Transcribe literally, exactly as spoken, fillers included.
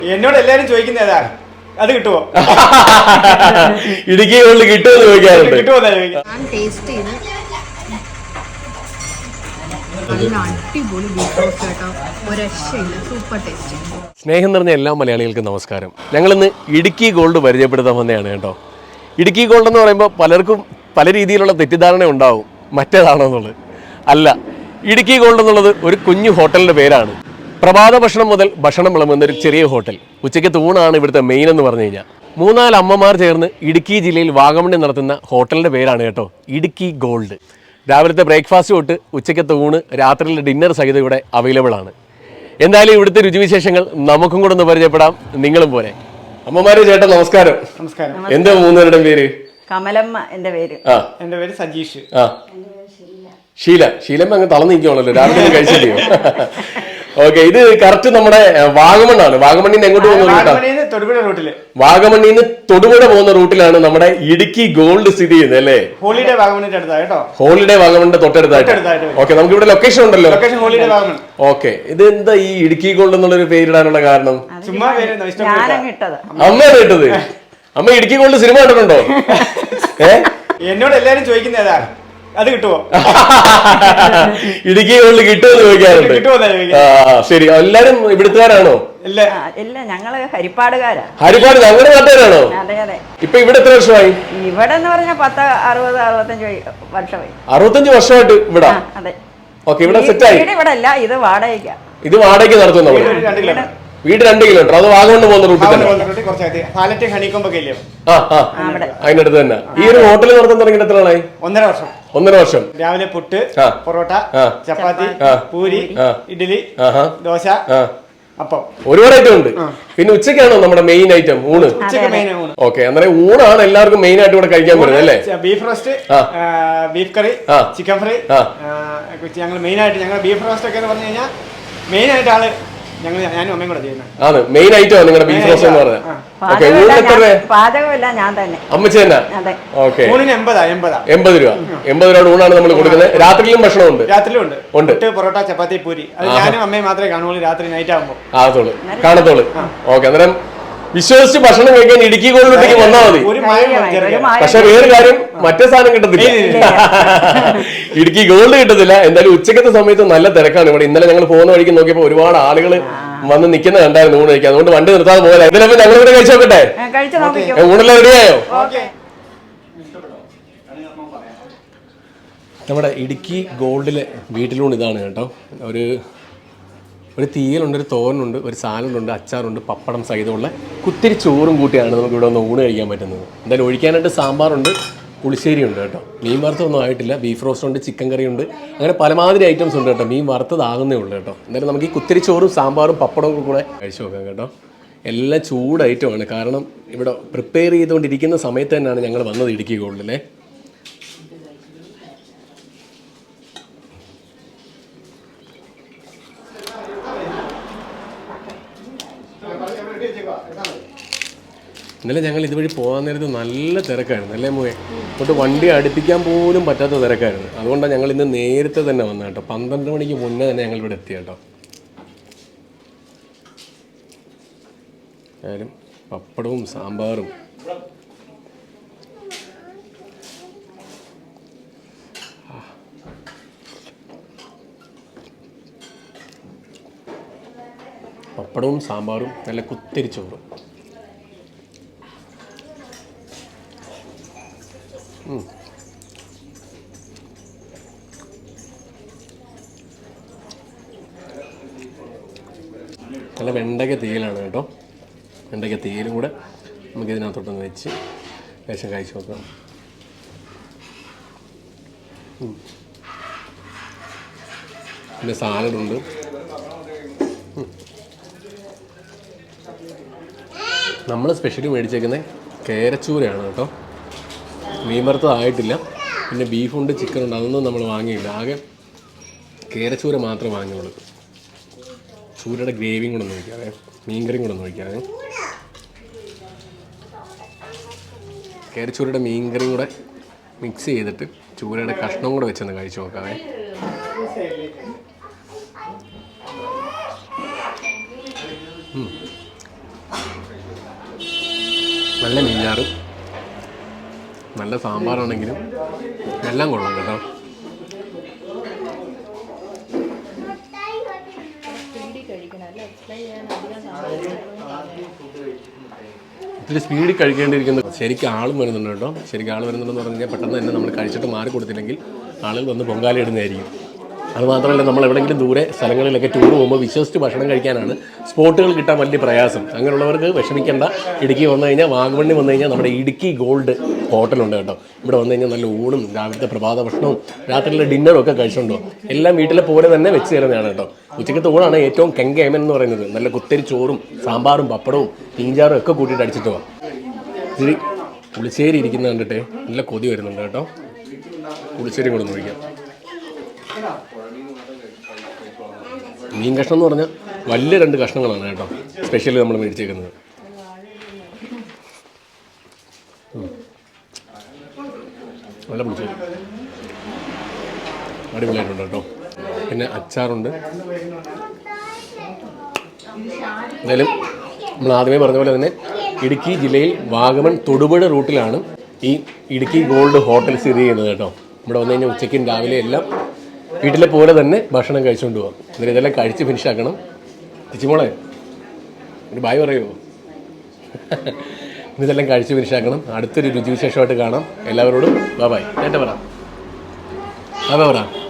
എന്നോട് എല്ലാരും ചോദിക്കുന്ന ഏതാ അത് കിട്ടുമോ? ഇടുക്കി ഗോൾഡ് കിട്ടുമോ ചോദിക്കാറുണ്ട്. കിട്ടുമോ? ഞാൻ ടേസ്റ്റ് ചെയ്ത് നല്ല അടിപൊളി ബീഫ് റോസ്റ്റ് കേട്ടോ, ഒരു രക്ഷയില്ല, സൂപ്പർ ടേസ്റ്റ്. സ്നേഹം നിറഞ്ഞ എല്ലാ മലയാളികൾക്കും നമസ്കാരം. ഞങ്ങളിന്ന് ഇടുക്കി ഗോൾഡ് പരിചയപ്പെടുത്താൻ വന്നതാണ് കേട്ടോ. ഇടുക്കി ഗോൾഡ് എന്ന് പറയുമ്പോൾ പലർക്കും പല രീതിയിലുള്ള തെറ്റിദ്ധാരണ ഉണ്ടാവും, മറ്റേതാണോ എന്നുള്ളത്. അല്ല, ഇടുക്കി ഗോൾഡ് എന്നുള്ളത് ഒരു കുഞ്ഞു ഹോട്ടലിൻ്റെ പേരാണ്. പ്രഭാത ഭക്ഷണം മുതൽ ഭക്ഷണം വിളമ്പുന്ന ഒരു ചെറിയ ഹോട്ടൽ. ഉച്ചയ്ക്ക് തൂണാണ് ഇവിടുത്തെ മെയിൻ എന്ന് പറഞ്ഞു കഴിഞ്ഞാൽ. മൂന്നാല് അമ്മമാർ ചേർന്ന് ഇടുക്കി ജില്ലയിൽ വാഗമണ്ണിൽ നടത്തുന്ന ഹോട്ടലിൻ്റെ പേരാണ് കേട്ടോ ഇടുക്കി ഗോൾഡ്. രാവിലത്തെ ബ്രേക്ക്ഫാസ്റ്റ് തൊട്ട് ഉച്ചയ്ക്കത്തെ ഊണ്, രാത്രിയിലെ ഡിന്നർ സഹിതം ഇവിടെ അവൈലബിൾ ആണ്. എന്തായാലും ഇവിടുത്തെ രുചിവിശേഷങ്ങൾ നമുക്കും കൂടെ ഒന്ന് പരിചയപ്പെടാം, നിങ്ങളും പോലെ. അമ്മമാരെ ചേട്ടാ നമസ്കാരം. നമസ്കാരം. എന്താ മൂന്നുപേരുടെ പേര്? കമലമ്മ എന്റെ പേര്. ആ, എന്റെ പേര് സജീഷ്. ആ, ഷീല. ഷീലമ്മ അങ്ങ് തളർന്നു നിൽക്കുവാണല്ലോ, രാവിലെ കഴിച്ചില്ലയോ? ഓക്കെ, ഇത് കറക്റ്റ് നമ്മുടെ വാഗമണ്ണാണ്. വാഗമണ്ണിന്ന് എങ്ങോട്ട് പോകുന്ന റൂട്ടാണ്? തൊടുപുഴ റൂട്ടില്. വാഗമണ്ണിന്ന് തൊടുപുഴ പോകുന്ന റൂട്ടിലാണ് നമ്മുടെ ഇടുക്കി ഗോൾഡ് സ്ഥിതി ചെയ്യുന്നത് അല്ലേ? ഹോളിഡേ വാഗമണ്ണിന്റെ അടുത്താണ് കേട്ടോ. ഹോളിഡേ വാഗമണ്ണിന്റെ തൊട്ടടുത്തായിട്ട്. ഓക്കെ, നമുക്ക് ഇവിടെ ലൊക്കേഷൻ ഉണ്ടല്ലോ. Location holiday Vagamon. ഓക്കെ, ഇത് എന്താ ഈ ഇടുക്കി ഗോൾഡ് എന്നുള്ളൊരു പേരിടാനുള്ള കാരണം? ചുമ്മാ പേര് ഇട്ടത്. അമ്മയാണ് ഇട്ടത്. അമ്മ ഇടുക്കി ഗോൾഡ് സിനിമ കണ്ടിട്ടുണ്ടോ? ഏ, എന്നോട് എല്ലാരും ചോദിക്കുന്ന ഏതാ അത് കിട്ടുമോ? ഇടുക്കി ഗോൾഡ് കിട്ടുമോ ചോദിക്കാറുണ്ട്. ശരി, എല്ലാരും ഇവിടുത്തുകാരാണോ? ഇല്ല, ഞങ്ങള് ഹരിപ്പാടുകാരാ. ഹരിപ്പാട് ഞങ്ങളുടെ നാട്ടുകാരാണോ? അതെ അതെ. ഇപ്പൊ ഇവിടെ എത്ര വർഷമായി? ഇവിടെ എന്ന് പറഞ്ഞാൽ പത്ത് അറുപത് അറുപത്തഞ്ച് വർഷമായി. അറുപത്തഞ്ച് വർഷമായിട്ട് ഇവിടെ. അതെ. ഓക്കെ, ഇവിടെ സെറ്റ് ആയി. ഇവിടെ അല്ല, ഇത് വാടകയ്ക്കാ. ഇത് വാടകയ്ക്ക് നടത്തും നമ്മൾ. വീട് രണ്ട് കിലോമീറ്റർ. അത് വാഗമണ്ണ് പോകുന്ന റൂട്ടിൽ തന്നെ. അതിനടുത്ത് തന്നെ. ഈ ഒരു ഹോട്ടൽ നടത്താൻ തുടങ്ങിയിട്ട് എത്ര നാളായി? ഒന്നര വർഷം. ഒന്നര വർഷം. രാവിലെ പുട്ട്, പൊറോട്ട, ചപ്പാത്തി, പൂരി, ഇഡ്ഡലി, ദോശ, അപ്പം ഒരുപാട് ഐറ്റം ഉണ്ട്. പിന്നെ ഉച്ചയ്ക്കാണോ നമ്മുടെ മെയിൻ ഐറ്റം ഊണ്? ഓക്കെ, അന്നേരം ഊണാണ് എല്ലാവർക്കും മെയിൻ ആയിട്ട് ഇവിടെ കഴിക്കാൻ പറ്റുന്നത് അല്ലേ? Beef roast, beef curry, chicken fry. ഞങ്ങൾ മെയിൻ ആയിട്ട് ഞങ്ങൾ ബീഫ് റോസ്റ്റ് ഒക്കെ എന്ന് പറഞ്ഞു കഴിഞ്ഞാൽ മെയിൻ ആയിട്ട് ആള് ഞങ്ങൾ ഞാനും അമ്മയും കൂടെ ചെയ്യുന്നത് ആണ് മെയിൻ ഐറ്റം നിങ്ങളുടെ ബീഫ് റോസ്റ്റ് എന്ന് പറഞ്ഞാൽ. പാചകമല്ല, ഞാൻ തന്നെ. അമ്മച്ചി തന്നെ. ഓക്കെ, എൺപത് രൂപ എൺപത് രൂപ ഊണാണ് നമ്മൾ കൊടുക്കുന്നത്. രാത്രിയിലും ഭക്ഷണം ഉണ്ട്. രാത്രിയിലും ഉണ്ട് ഉണ്ട് പൊറോട്ട, ചപ്പാത്തി, പൂരി. അത് ഞാനും അമ്മയും മാത്രമേ കാണുള്ളൂ രാത്രി നൈറ്റ് ആകുമ്പോൾ. ആകത്തോളൂ, കാണത്തോളൂ. ഓക്കെ, അന്നേരം വിശ്വസിച്ച് ഭക്ഷണം കഴിക്കാൻ ഇടുക്കി ഗോൾഡിലേക്ക് വന്നാൽ മതി. പക്ഷെ വേറെ കാര്യം, മറ്റേ സാധനം കിട്ടത്തില്ല. ഇടുക്കി ഗോൾഡ് കിട്ടത്തില്ല. എന്തായാലും ഉച്ചക്കത്തെ സമയത്ത് നല്ല തിരക്കാണ് ഇവിടെ. ഇന്നലെ ഞങ്ങൾ പോകുന്ന വഴിക്ക് നോക്കിയപ്പോൾ ഒരുപാട് ആളുകൾ വന്ന് നിൽക്കുന്ന കണ്ടായിരുന്നു ഊണ് കഴിക്കാൻ. അതുകൊണ്ട് വണ്ടി നിർത്താതെ പോലെ ഇതിലപ്പോ ഞങ്ങൾ ഇവിടെ കഴിച്ചു നോക്കട്ടെ. ഊണെല്ലാം റെഡിയായോ? നമ്മുടെ ഇടുക്കി ഗോൾഡിലെ വീട്ടിലൂണ് ഇതാണ് കേട്ടോ. ഒരു ഒരു തീയലുണ്ട്, ഒരു തോരനുണ്ട്, ഒരു സാലഡുണ്ട്, അച്ചാറുണ്ട്, പപ്പടം സഹിതമുള്ള കുത്തിരി ചോറും കൂട്ടിയാണ് നമുക്ക് ഇവിടെ ഒന്ന് ഊണ് കഴിക്കാൻ പറ്റുന്നത്. എന്തായാലും ഒഴിക്കാനായിട്ട് സാമ്പാറുണ്ട്, പുളിശ്ശേരി ഉണ്ട് കേട്ടോ. മീൻ വറുത്തൊന്നും ആയിട്ടില്ല. ബീഫ് റോസ്റ്റ് ഉണ്ട്, ചിക്കൻ കറി ഉണ്ട്, അങ്ങനെ പലമാതിരി ഐറ്റംസ് ഉണ്ട് കേട്ടോ. മീൻ വറുത്തതാകുന്നേ ഉള്ളൂ കേട്ടോ. എന്തായാലും നമുക്ക് ഈ കുത്തിരി ചോറും സാമ്പാറും പപ്പടവും കൂടെ കഴിച്ചു നോക്കാം കേട്ടോ. എല്ലാം ചൂട് ഐറ്റമാണ്. കാരണം ഇവിടെ പ്രിപ്പയർ ചെയ്തുകൊണ്ടിരിക്കുന്ന സമയത്ത് തന്നെയാണ് ഞങ്ങൾ വന്നത് ഇടുക്കി ഗോൾഡിലെ. ഇന്നലെ ഞങ്ങൾ ഇതുവഴി പോകാൻ നേരത്ത് നല്ല തിരക്കായിരുന്നു അല്ലേ മോയെ? അങ്ങോട്ട് വണ്ടി അടുപ്പിക്കാൻ പോലും പറ്റാത്ത തിരക്കായിരുന്നു. അതുകൊണ്ടാണ് ഞങ്ങൾ ഇന്ന് നേരത്തെ തന്നെ വന്നത് കേട്ടോ. പന്ത്രണ്ട് മണിക്ക് മുന്നേ തന്നെ ഞങ്ങൾ ഇവിടെ എത്തി കേട്ടോ. ആയാലും പപ്പടവും സാമ്പാറും പപ്പടവും സാമ്പാറും നല്ല കുത്തിരി ചോറും. നല്ല വെണ്ടയ്ക്ക തീയലാണ് കേട്ടോ. വെണ്ടയ്ക്ക തീയലും കൂടെ നമുക്കിതിനകത്തോട്ടൊന്ന് വെച്ച് ലേശം കഴിച്ച് നോക്കാം. പിന്നെ സാലഡുണ്ട്. നമ്മൾ സ്പെഷ്യലി മേടിച്ചേക്കുന്നത് കേരച്ചൂരയാണ് കേട്ടോ. മീൻ വറുത്തതായിട്ടില്ല. പിന്നെ ബീഫുണ്ട്, ചിക്കനുണ്ട്, അതൊന്നും നമ്മൾ വാങ്ങിയില്ല. ആകെ കേരച്ചൂര മാത്രമേ വാങ്ങിയുള്ളൂ. ചൂരയുടെ ഗ്രേവിയും കൂടെ ഒന്ന് ഒഴിക്കാതെ, മീൻകറിയും കൂടെ ഒന്ന് ഒഴിക്കാതെ. കേരച്ചൂരയുടെ മീൻകറിയും കൂടെ മിക്സ് ചെയ്തിട്ട് ചൂരയുടെ കഷ്ണം കൂടെ വെച്ചൊന്ന് കഴിച്ചു നോക്കാവേ. നല്ല മീൻചാറും നല്ല സാമ്പാറാണെങ്കിലും എല്ലാം കൊള്ളാം കേട്ടോ. ഇത്തിരി സ്പീഡിൽ കഴിക്കേണ്ടിയിരിക്കുന്നത്. ശരിക്കും ആളും വരുന്നുണ്ട് കേട്ടോ. ശരിക്കും ആൾ വരുന്നുണ്ടെന്ന് പറഞ്ഞു കഴിഞ്ഞാൽ പെട്ടെന്ന് തന്നെ നമ്മൾ കഴിച്ചിട്ട് മാറി കൊടുത്തില്ലെങ്കിൽ ആളുകൾ വന്ന് പൊങ്കാല ഇടുന്നതായിരിക്കും. അതുമാത്രമല്ല, നമ്മൾ എവിടെയെങ്കിലും ദൂരെ സ്ഥലങ്ങളിലൊക്കെ ടൂർ പോകുമ്പോൾ വിശ്വസിച്ച് ഭക്ഷണം കഴിക്കാനാണ് സ്പോട്ടുകൾ കിട്ടാൻ വലിയ പ്രയാസം. അങ്ങനെയുള്ളവർക്ക് വിഷമിക്കേണ്ട. ഇടുക്കി വന്നു കഴിഞ്ഞാൽ, വാഗമണ്ണിൽ വന്നു കഴിഞ്ഞാൽ നമ്മുടെ ഇടുക്കി ഗോൾഡ് ഹോട്ടലുണ്ട് കേട്ടോ. ഇവിടെ വന്നു കഴിഞ്ഞാൽ നല്ല ഊണും രാവിലത്തെ പ്രഭാത ഭക്ഷണവും രാത്രിയിലെ ഡിന്നറും ഒക്കെ കഴിച്ചുകൊണ്ടോ എല്ലാം വീട്ടിലെ പോലെ തന്നെ വെച്ച് തരുന്നതാണ് കേട്ടോ. ഉച്ചക്കത്തെ ഊണാണ് ഏറ്റവും കെങ്കേമൻ എന്ന് പറയുന്നത്. നല്ല കുത്തരി ചോറും സാമ്പാറും പപ്പടവും മീൻചാറും ഒക്കെ കൂട്ടിയിട്ട് അടിച്ചിട്ട് പോവാം. ഇച്ചിരി പുളിശ്ശേരി ഇരിക്കുന്ന കണ്ടിട്ട് നല്ല കൊതി വരുന്നുണ്ട് കേട്ടോ. പുളിശ്ശേരി കൂടെ ഒന്ന് ഒഴിക്കാം. മീൻ കഷ്ണം എന്ന് പറഞ്ഞാൽ വലിയ രണ്ട് കഷ്ണങ്ങളാണ് കേട്ടോ സ്പെഷ്യലി നമ്മൾ മേടിച്ചേക്കുന്നത്. നല്ല പുളിശ്ശേരി അടിപൊളിയായിട്ടുണ്ട് കേട്ടോ. പിന്നെ അച്ചാറുണ്ട്. എന്തായാലും നമ്മൾ ആദ്യമേ പറഞ്ഞ പോലെ തന്നെ ഇടുക്കി ജില്ലയിൽ വാഗമൺ തൊടുപുഴ റൂട്ടിലാണ് ഈ ഇടുക്കി ഗോൾഡ് ഹോട്ടൽ സ്ഥിതി ചെയ്യുന്നത് കേട്ടോ. ഇവിടെ വന്നു കഴിഞ്ഞാൽ ഉച്ചയ്ക്കും രാവിലെ എല്ലാം വീട്ടിലെ പോലെ തന്നെ ഭക്ഷണം കഴിച്ചുകൊണ്ട് പോകാം. എന്നിട്ട് ഇതെല്ലാം കഴിച്ച് ഫിനിഷാക്കണം. തിച്ചുമോളെ ഒരു ബായ് പറയുമോ? ഇതെല്ലാം കഴിച്ച് ഫിനിഷാക്കണം. അടുത്തൊരു രുചിവിശേഷമായിട്ട് കാണാം. എല്ലാവരോടും ബൈ ബൈ. നേരത്തെ പറ ബൈ ബൈ പറ.